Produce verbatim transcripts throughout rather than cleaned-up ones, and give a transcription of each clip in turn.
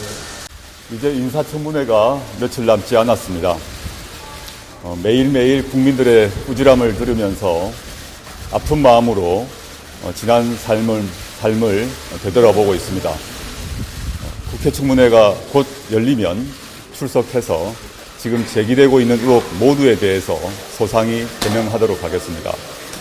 이제 인사청문회가 며칠 남지 않았습니다. 어, 매일매일 국민들의 꾸지람을 들으면서 아픈 마음으로 어, 지난 삶을, 삶을 되돌아보고 있습니다. 어, 국회 청문회가 곧 열리면 출석해서 지금 제기되고 있는 의혹 모두에 대해서 소상히 개명하도록 하겠습니다.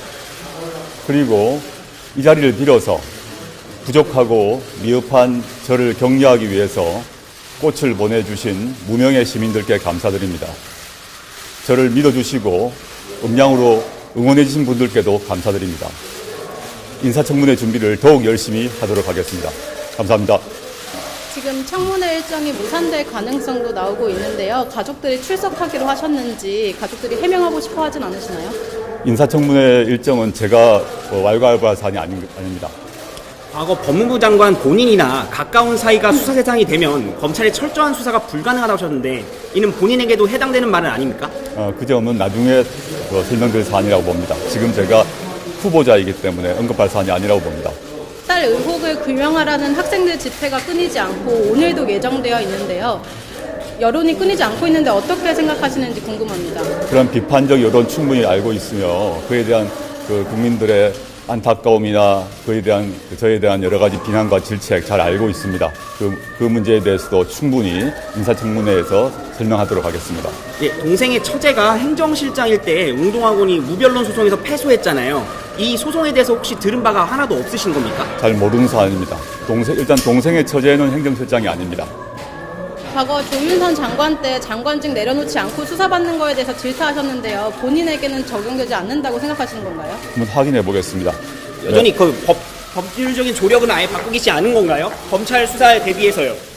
그리고 이 자리를 빌어서 부족하고 미흡한 저를 격려하기 위해서 꽃을 보내주신 무명의 시민들께 감사드립니다. 저를 믿어주시고 음량으로 응원해주신 분들께도 감사드립니다. 인사청문회 준비를 더욱 열심히 하도록 하겠습니다. 감사합니다. 지금 청문회 일정이 무산될 가능성도 나오고 있는데요. 가족들이 출석하기로 하셨는지 가족들이 해명하고 싶어 하진 않으시나요? 인사청문회 일정은 제가 왈가왈부할 사안이 아닙니다. 과거 법무부 장관 본인이나 가까운 사이가 수사 대상이 되면 검찰의 철저한 수사가 불가능하다고 하셨는데 이는 본인에게도 해당되는 말은 아닙니까? 어, 그 점은 나중에 어, 설명드릴 사안이라고 봅니다. 지금 제가 후보자이기 때문에 언급할 사안이 아니라고 봅니다. 딸 의혹을 규명하라는 학생들 집회가 끊이지 않고 오늘도 예정되어 있는데요. 여론이 끊이지 않고 있는데 어떻게 생각하시는지 궁금합니다. 그런 비판적 여론 충분히 알고 있으며 그에 대한 그 국민들의 안타까움이나 그에 대한 저에 대한 여러 가지 비난과 질책 잘 알고 있습니다. 그, 그 문제에 대해서도 충분히 인사청문회에서 설명하도록 하겠습니다. 예, 동생의 처제가 행정실장일 때 웅동학원이 무변론 소송에서 패소했잖아요. 이 소송에 대해서 혹시 들은 바가 하나도 없으신 겁니까? 잘 모르는 사안입니다. 동생, 일단 동생의 처제는 행정실장이 아닙니다. 과거 조윤선 장관 때 장관직 내려놓지 않고 수사받는 거에 대해서 질타하셨는데요. 본인에게는 적용되지 않는다고 생각하시는 건가요? 한번 확인해 보겠습니다. 여전히 그 법, 법률적인 조력은 아예 바꾸기 않은 건가요? 검찰 수사에 대비해서요.